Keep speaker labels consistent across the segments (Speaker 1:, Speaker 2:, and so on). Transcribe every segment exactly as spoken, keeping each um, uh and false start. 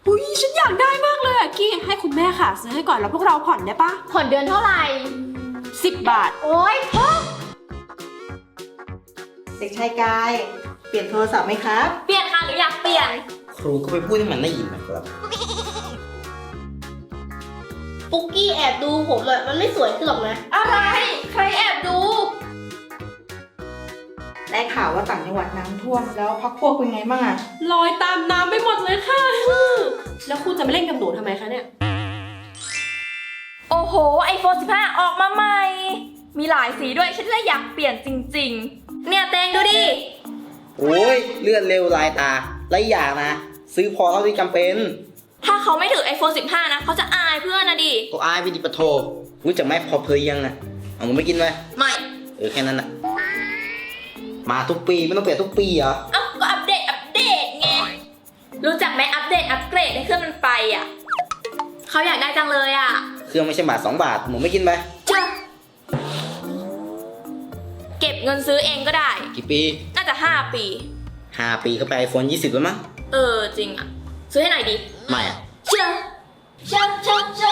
Speaker 1: อุ้ยฉันอยากได้มากเลยอะกี้ให้คุณแม่ค่ะซื้อให้ก่อนแล้วพวกเราผ่อนได้ปะ
Speaker 2: ผ่อนเดือนเท่าไหร่
Speaker 1: สิบบาท
Speaker 2: โอ๊ย
Speaker 3: เด็กชายกายเปลี่ยนโทรศัพท์ไหมครับ
Speaker 2: เปลี่ยนค่ะหรืออยากเปลี่ยน
Speaker 4: ครูก็ไปพูดให้มันได้ยินนะครับ
Speaker 5: ปุ๊กกี้แอบดูผมอะมันไม่สวยขึ้นหรอกนะ
Speaker 2: อะไรใครแอบดู
Speaker 3: ได้ข่าวว่าต่างจังหวัดน้ำท่วมแล้วพักพวกเป็นไงบ้างอะ
Speaker 1: ลอยตามน้ำไปหมดเลยค่ะแล้วคุณจะไม่เล่นกับหนูทำไมคะเนี่ย
Speaker 2: โอ้โห ไอโฟนสิบห้า ออกมาใหม่ มีหลายสีด้วยฉันเลยอยากเปลี่ยนจริงๆเนี่ยเตงดูดิ
Speaker 4: โอ้ยเลื่อนเร็วลายตาไรอย่างนะ ซื้อพอเท่าที่จำเป็น
Speaker 2: ถ้าเขาไม่ถือ ไอโฟนสิบห้า นะเขาจะอายเพื่อนนะดิ
Speaker 4: ก็อายไปดิปะโทรู้จักไหมพอเพยยังอะเอามันไม่กินไหม
Speaker 2: ไม่
Speaker 4: เออแค่นั้นอะมาทุกปีไม่ต้องเปลี่ยนทุกปีเหรอ
Speaker 2: เอ้าก็อัปเดตอัปเดตไงรู้จักไหมอัปเดตอัปเกรดให้เครื่องมันไปอ่ะเขาอยากได้จังเลยอ่ะ
Speaker 4: เครื่องไม่ใช่บาทสองบาทหมูไม่กินไป
Speaker 2: เจ้าเก็บเงินซื้อเองก็ได้
Speaker 4: กี่ปี
Speaker 2: น่าจะห้าปี
Speaker 4: ห้าปีเข้าไปไอโฟนยี่สิบแล้วมั้ง
Speaker 2: เออจริงอ่ะซื้อให้หน่อยดิ
Speaker 4: ไม่อะ
Speaker 2: เชื่อเชื่อเชื่อเชื่อ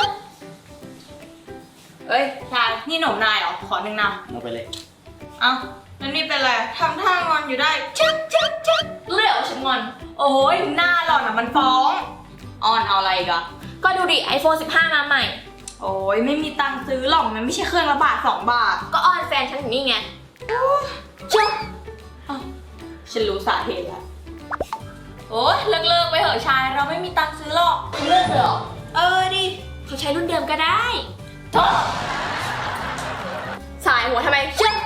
Speaker 6: เอ้ยชายนี่หนมนายเหรอขอหนึ่งน
Speaker 4: เอาไปเลย
Speaker 6: ำเอ้าแล้วนี่เป็นไรทำท่างอนอยู่ได้
Speaker 2: เชื่อเชื่อเชื่อรู้เลยเหรอว่าฉันงอน
Speaker 6: โอ้ยหน้าหล่อนอ่ะมันฟ้องออนเอาอะไรอีกอะ
Speaker 2: ก็ดูดิ ไอโฟนสิบห้า มาใหม่
Speaker 6: โอ้ยไม่มีตังค์ซื้อหรอกมันไม่ใช่เครื่องละบาทสองบาท
Speaker 2: ก็อ้อนแฟนฉันถึงนี่ไงเชื่อ
Speaker 6: ฉันรู้สาเหตุแล้ว
Speaker 2: โอ้ยเลิกเลิกไปเถอะชายเราไม่มีตังค์ซื้อหรอกเลิกเลยเหรอเออดิเขาใช้รุ่นเดิมก็ได้โทษสายหัวทำไมเชื่อ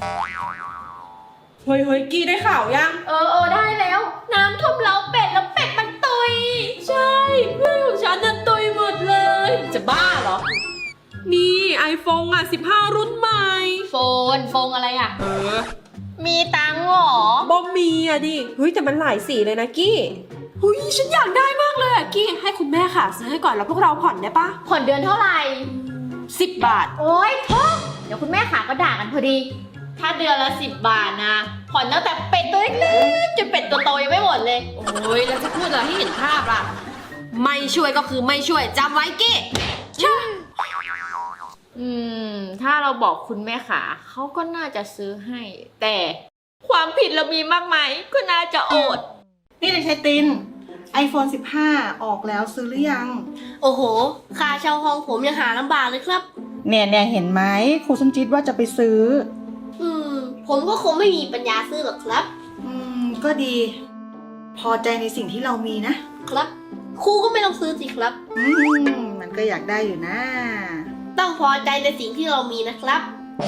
Speaker 1: เฮ้ยเฮ้ยกี้ได้ข่าวยัง
Speaker 2: เออเออได้แล้ว น้ำท่วมเล้าเป็ดแล้วเป็ดมันตุย
Speaker 1: ใช่เพื่อนของฉันน่ะตุยหมดเลย จะบ้าเหรอนี่ไอโฟนอ่ะสิบห้ารุ่นใหม่
Speaker 2: โฟนโฟนอะไรอ่ะ
Speaker 1: เออ
Speaker 2: มีตังค์เหรอบ
Speaker 1: อมมีอะดิเฮ้ยแต่มันหลายสีเลยนะกี้เฮ้ยฉันอยากได้มากเลยอะกี้ให้คุณแม่ค่ะซื้อให้ก่อนแล้วพวกเราผ่อนได้ปะ
Speaker 2: ผ่อนเดือนเท่าไหร่
Speaker 1: สิบบาท
Speaker 2: โอ๊ยเดี๋ยวคุณแม่ขาก็ด่ากันพอดี
Speaker 5: ถ้าเดือนละสิบบาทนะ ผ่อนตั้งแต่เป็ดตัวเล็กๆจนเป็ดตัวโตยังไม่หมดเลย
Speaker 1: โอ้ยแล้วจะพูดอะไรให้เห็นภาพล่ะไม่ช่วยก็คือไม่ช่วยจำไว้กี้ช่วย
Speaker 5: อืม ถ้าเราบอกคุณแม่ขาเขาก็น่าจะซื้อให้ แต่ความผิดเรามีมากไหมก็น่าจะอด
Speaker 3: นี่เด็กชายติน iPhone สิบห้า ออกแล้วซื้อหรือยัง
Speaker 5: โอ้โห ค่าเช่าห้องผมยังหาลำบากเลยครับ
Speaker 3: เนี่ยเนี่ยเห็นไหมครูสมจิตว่าจะไปซื้อ
Speaker 5: อืม ผมก็คงไม่มีปัญญาซื้อหรอกครับ
Speaker 3: อืมก็ดี พอใจในสิ่งที่เรามีนะ
Speaker 5: ครับ ครูก็ไม่ต้องซื้อสิครับ
Speaker 3: อืมมันก็อยากได้อยู่นะ
Speaker 5: ต้องพอใจในสิ่งที่เรามีนะครับ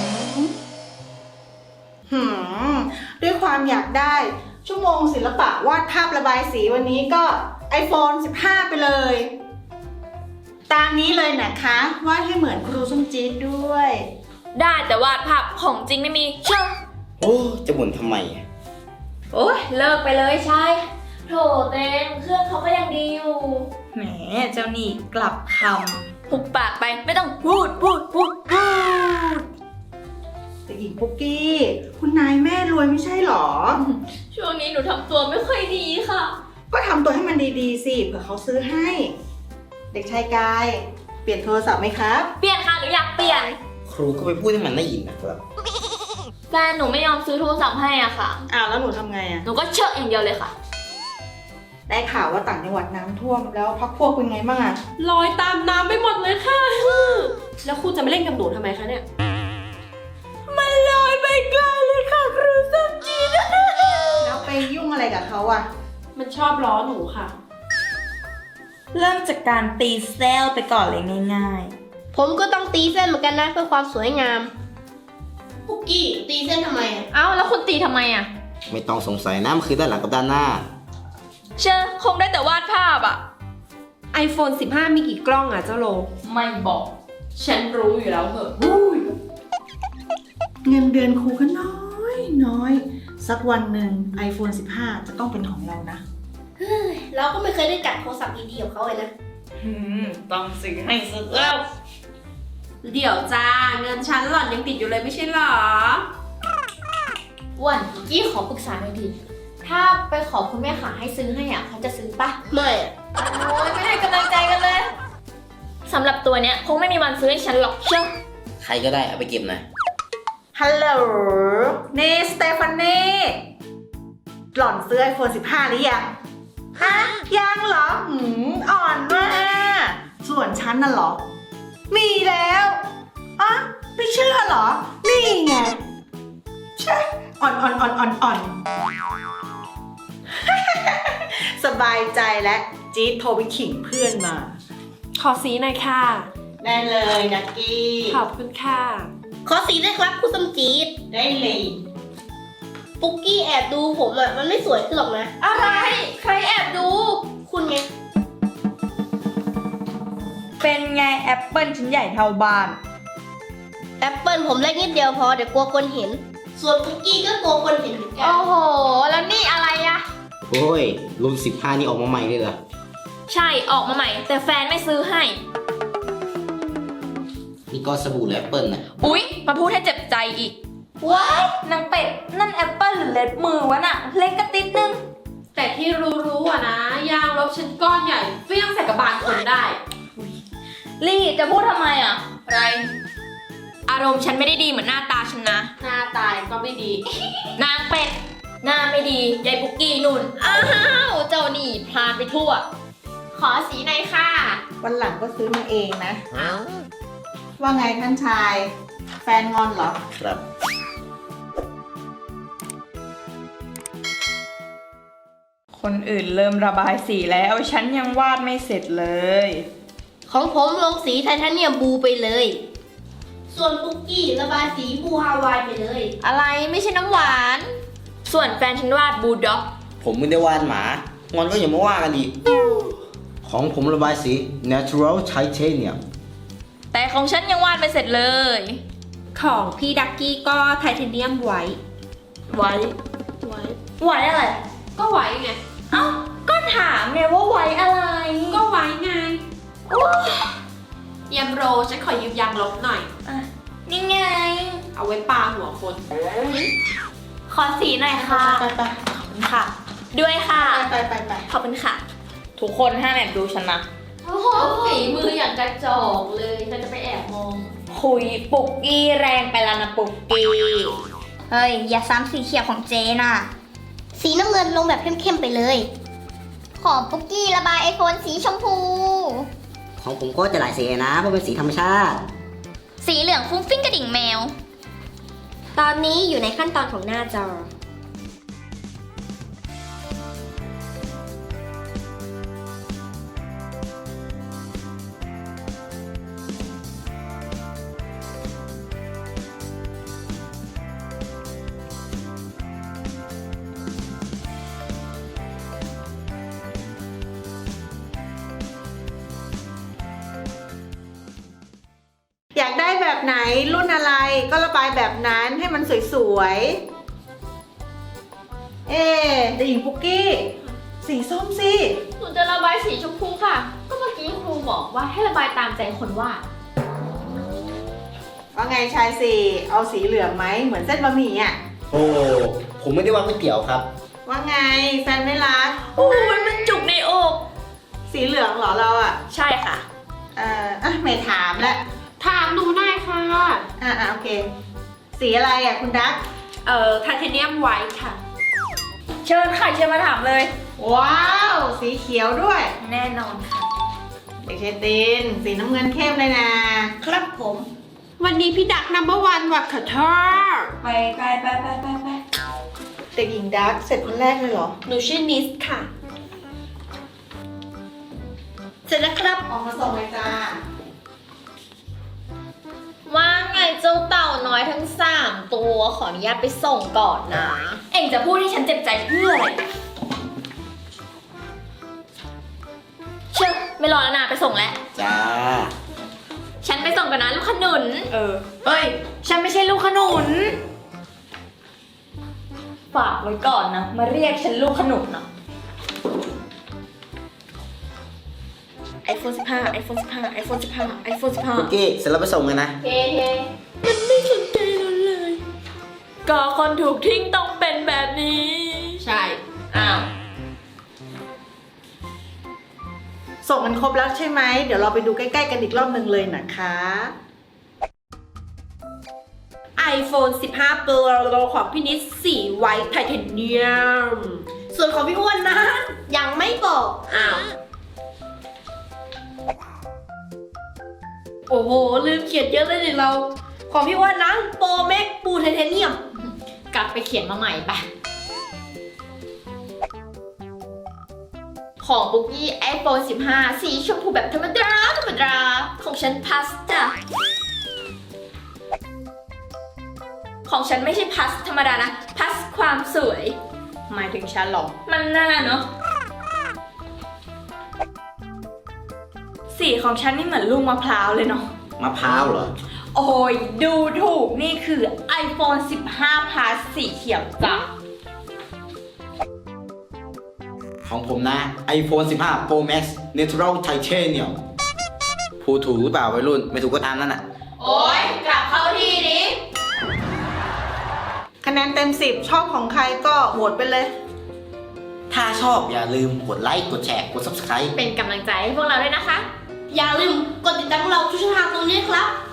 Speaker 3: หืมด้วยความอยากได้ ชั่วโมงศิลปะวาดภาพระบายสีวันนี้ก็ iPhone สิบห้า ไปเลย ตามนี้เลยนะคะวาดให้เหมือนครูส้มจี๊ดด้วย
Speaker 2: ได้แต่วาดภาพของจริงไม่มีเชื่อ
Speaker 4: โอ้จะบ่นทำไมอะ
Speaker 2: โอ๊ยเลิกไปเลยชายโถเต็งเครื่องเขาก็ยังดีอยู่
Speaker 6: แหมเจ้านี่กลับค
Speaker 2: หุบปากไปไม่ต้องพูดพูดพูดพูด
Speaker 3: แต่หญิงปุ๊กกี้ คุณนายแม่รวยไม่ใช่หรอ
Speaker 2: ช่วงนี้หนูทำตัวไม่ค่อยดีค่ะ
Speaker 3: ก็ทำตัวให้มันดีๆสิเผื่อเขาซื้อให้ เด็กชายกาย เปลี่ยนโทรศัพท์ไหมครับ
Speaker 2: เปลี่ยนค่ะหรืออยากเปลี่ยน
Speaker 4: ครูก็ไปพูดให้มันได้ยินนะครับ
Speaker 2: แฟนหนูไม่ยอมซื้อโทรศัพท์ให้อ่ะค่ะ
Speaker 3: อ้าวแล้วหนูทำไงอะ
Speaker 2: หนูก็เชิดอย่างเดียวเลยค่ะ
Speaker 3: ได้ข่าวว่าต่างจังหวัดน้ำท่วมแล้วพักพวกเป็นไงบ้างอะ
Speaker 1: ลอยตามน้ำไปหมดเลยค่ะแล้วคุณจะไม่เล่นกับหนูทำไมคะเนี่ยมันลอยไปไกลเลยค่ะครูส้มจีน
Speaker 3: แล้วไปยุ่งอะไรกับเขาอะ
Speaker 1: มันชอบล้อหนูค่ะ
Speaker 6: ำเริ่มจากการตีเซลไปก่อนเลยง่าย
Speaker 5: ผมก็ต้องตีเส้นเหมือนกันนะเพื่อความสวยงามปุกกี้ตีเส้นทำไมอะ
Speaker 2: เอ้าแล้วคุณตีทำไมอ่ะ
Speaker 4: ไม่ต้องสงสัยนะมันคือด้านหลังกับด้านหน้า
Speaker 2: เชื่อคงได้แต่วาดภาพอ่ะ
Speaker 1: iPhone สิบห้า มีกี่กล้องอ่ะเจ้าโล
Speaker 6: ไม่บอก ฉันรู้อยู่แล้วเหอะ
Speaker 3: เงินเดือนครูก็น้อยน้อย สักวันหนึ่ง iPhone สิบห้า จะต้องเป็นของเรานะ
Speaker 5: เราก็ไม่เคยได้จับโทรศัพท์ดีๆของเขาเลยนะ
Speaker 6: อืมต้องซื้อให้สุดแล้ว
Speaker 1: เดี๋ยวจ้าเงินชั้นหล่อนยังติดอยู่เลยไม่ใช่หรอ
Speaker 2: อ้วนกี้ขอปรึกษาหน่อยดิถ้าไปขอคุณแม่ขาให้ซื้อให้อ่ะเขาจะซื้อปะ
Speaker 5: ไม่อะ
Speaker 2: โอ้ยไม่ตัวเนี้ยคงไม่มีวันซื้อให้ฉันหรอกเชื่อ
Speaker 4: ใครก็ได้เอาไปเก็บหน่อย
Speaker 3: ฮัลโหลนี่สเตฟานีหล่อนซื้อ ไอโฟน สิบห้า หรือยัง ฮะ ยังเหรอหืมอ่อนมากส่วนฉันน่ะเหรอ มีแล้วอ่ะไม่เชื่อเหรอ นี่ไงใช่อ่อนอ่อนอ่อนอ่อนอ่อน สบายใจแล้วจี๊ดโทรไปขิงเพื่อนมา
Speaker 1: ขอสีหน่อยค่ะ
Speaker 3: ได้เลยนักกี้
Speaker 1: ขอบคุณค่ะ
Speaker 7: ขอสีด้วยครับคุณสมจีด
Speaker 3: ได้เลย
Speaker 7: ปุกกี้แอบดูผมอ่ะมันไม่สวยขึ้นหรอกนะ
Speaker 2: อะไร ใครแอบดู
Speaker 7: คุณไง
Speaker 6: เป็นไงแอปเปิลชิ้นใหญ่เท่าบ้าน
Speaker 7: แอปเปิลผมเล็กนิดเดียวพอเดี๋ยวกลัวคนเห็น ส่วนปุกกี้ก็กลัวคนเห็นเหมือนกัน
Speaker 2: โอ้โห แล้วนี่อะไรอะ
Speaker 4: โอ้ย รุ่นสิบห้านี่ออกมาใหม่เลยเหรอ
Speaker 2: ใช่ออกมาใหม่ แต่แฟนไม่ซื้อให้
Speaker 4: นี่ก็สบู่แอปเปิลนะ
Speaker 2: อุ๊ย มาพูดให้เจ็บใจอีก ว้ายนางเป็ด นั่นแอปเปิลหรือเล็บมือวะน่ะ เล็กกระติดนึง
Speaker 1: แต่ที่รู้ๆอะนะ ยางลบชิ้นก้อนใหญ่เฟี้ยงใส่กระบาลคนได้
Speaker 2: ลี่จะพูดทำไมอ่ะ อะไร อารมณ์ฉันไม่ได้ดีเหมือนหน้าตาฉันนะ
Speaker 1: หน้าตายก็ไม่ดี
Speaker 2: นางเป็ด หน้าไม่ดียายปุกกี้นุ่น อ้าว เจ้านี่พลานไปทั่ว ขอสีหน่อยค่ะ
Speaker 3: วันหลังก็ซื้อมาเองนะ ว่าไงท่านชาย แฟนงอนเหรอ
Speaker 4: ครับ
Speaker 6: คนอื่นเริ่มระบายสีแล้ว ฉันยังวาดไม่เสร็จเลย
Speaker 7: ของผมลงสีไทเทเนียมบลูไปเลย ส่วนปุกกี้ระบายสีบลูฮาวายไปเลย
Speaker 2: อะไรไม่ใช่น้ำหวาน ส่วนแฟนฉันวาดบูลด็อก
Speaker 4: ผมไม่ได้วาดหมา งอนก็อย่ามาว่ากันดิ ของผมระบายสี natural titanium
Speaker 2: แต่ของฉันยังวาดไม่เสร็จเลย
Speaker 1: ของพี่ดักกี้ก็ไทเทเนียมไว้
Speaker 2: ไว้ ไว้ ไว้อะไร
Speaker 1: ก็ไว้ไง
Speaker 2: เอ้า ก็ถามไงว่าไว้อะไร
Speaker 1: ก็ไว้ไงเยมโรฉันขอยืมยางลบหน่อย
Speaker 2: อ่ะ นี่ไง
Speaker 1: เอาไว้ปาหัวคน
Speaker 2: ขอสีหน่อยค่ะ
Speaker 3: ไปไป
Speaker 2: ขอบคุณค่ะ ด้วยค่ะ
Speaker 3: ไปไปไป
Speaker 2: ขอบคุณค่ะ
Speaker 6: ทุกคนห้ามแอบดูฉันนะ
Speaker 2: โอ้โหฝีมืออย่างกระจอกเลยฉันจะไปแอบมอง คุยปุกกี้แรงไปแล้วนะปุกกี้
Speaker 7: เฮ้ย อย่าซ้ำสีเขียวของเจน่ะ สีน้ำเงินลงแบบเข้มๆไปเลย ขอปุกกี้ระบายไอโฟนสีชมพู
Speaker 8: ของผมก็จะหลายสีนะเพราะเป็นสีธรรมชาติ
Speaker 7: สีเหลืองฟุ้งฟิ้งกระดิ่งแมว ตอนนี้อยู่ในขั้นตอนของหน้าจอ
Speaker 3: อยากได้แบบไหนรุ่นอะไรก็ระบายแบบนั้นให้มันสวยๆ เอ๊ะเด็กหญิงปุกกี้ สีส้มสิ
Speaker 2: หนูจะระบายสีชมพูค่ะ ก็เมื่อกี้ครูบอกว่าให้ระบายตามใจคนวาด
Speaker 3: ว่าไงชายสี่เอาสีเหลืองไหมเหมือนเส้นบะหมี่อ่ะ
Speaker 4: โอ้ ผมไม่ได้วาดก๋วยเตี๋ยวครับ
Speaker 3: ว่าไงแฟนไม่รัก
Speaker 2: โอ้ยมันจุกในอก
Speaker 3: สีเหลืองเหรอเราอ่ะ
Speaker 2: ใช่ค่ะ
Speaker 3: เอ่ออ่ะไม่ถามแล้ว
Speaker 1: ถามหนูหน่อยค่ะ
Speaker 3: อ่ะอ่ะโอเค สีอะไรอ่ะคุณดัก
Speaker 1: เอ่อไทเทเนียมไว้ค่ะ
Speaker 2: เชิญค่ะเชิญมาถามเลย
Speaker 3: ว้าว สีเขียวด้วย
Speaker 2: แน่นอนค่ะ
Speaker 3: เด็กชายตินสีน้ำเงินเข้มเลยนะ
Speaker 7: ครับผม
Speaker 1: วันนี้พี่ดักนัมเบอร์วันว่ะค่ะเธอ
Speaker 6: ไปไปไปไปไปไป
Speaker 3: เด็กหญิงดักเสร็จคนแรกเลยเหรอ
Speaker 1: หนูชื่อนิสค่ะ
Speaker 7: เสร็จแล้วครับ
Speaker 3: ออกมาส่งเลยจ้า
Speaker 2: ว่าไงเจ้าเต่าน้อยทั้งสามตัวขออนุญาตไปส่งก่อนนะ เอ็งจะพูดให้ฉันเจ็บใจเพื่ออะไรเชื่อไม่รอแล้วนะไปส่งแล้ว
Speaker 4: จ้า
Speaker 2: ฉันไปส่งกันนะลูกขนุน
Speaker 1: เออ
Speaker 2: เฮ้ย ฉันไม่ใช่ลูกขนุน ฝากไว้ก่อนนะ มาเรียกฉันลูกขนุนนะ
Speaker 1: ไอโฟนสิบห้า ไอโฟนสิบห้า ไอโฟนสิบห้า ไอโฟนสิบห้า
Speaker 4: คุกกี้ เสร็จแล้วไปส่งกันนะ
Speaker 2: เฮ้เฮ้มันไม่สนใจเราเลย ก็คนถูกทิ้งต้องเป็นแบบนี้
Speaker 1: ใช่
Speaker 2: อ้าว
Speaker 3: ส่งกันครบแล้วใช่ไหม เดี๋ยวเราไปดูใกล้ๆกันอีกรอบหนึ่งเลยนะคะ
Speaker 1: iPhone สิบห้า Pro ของพี่นิดสีไวท์ไทเทเนียม ส่วนของพี่อ้วนนะ ยังไม่บอก อ้าว โอ้โห ลืมเขียนเยอะเลยดิเรา ของพี่อ้วนนะโปรเม็กปูไทเทเนียม
Speaker 5: กลับไปเขียนมาใหม่ไป ของปุ๊กกี้ iPhone สิบห้า สีชมพูแบบธรรมดาธรรมดา
Speaker 2: ของฉันพัสจ้ะ ของฉันไม่ใช่พัสธรรมดานะ พัสความสวย
Speaker 1: หมายถึงฉันหรอ
Speaker 2: มันน่าเนาะ สีของฉันนี่เหมือนลูกมะพร้าวเลยเนาะ
Speaker 4: มะพร้าวเหรอ
Speaker 2: โอ้ย ดูถูกนี่คือ iPhone สิบห้า Plus สีเขียวจ้ะ
Speaker 4: ของผมนะ iPhone สิบห้า Pro Max Natural Titanium พูดถูกหรือเปล่าวัยรุ่น ไม่ถูกก็ตามนั่นน่ะ
Speaker 2: โอ้ยกลับเข้าที่ดิ
Speaker 3: คะแนนเต็มสิบชอบของใครก็โหวตไปเลย
Speaker 4: ถ้าชอบอย่าลืมกดไลค์ กดแชร์ กด Subscribe
Speaker 5: เป็นกำลังใจให้พวกเราด้วยนะคะ
Speaker 1: อย่าลืมกดติดตามพวกเราทุกช่องทางตรงนี้ครับ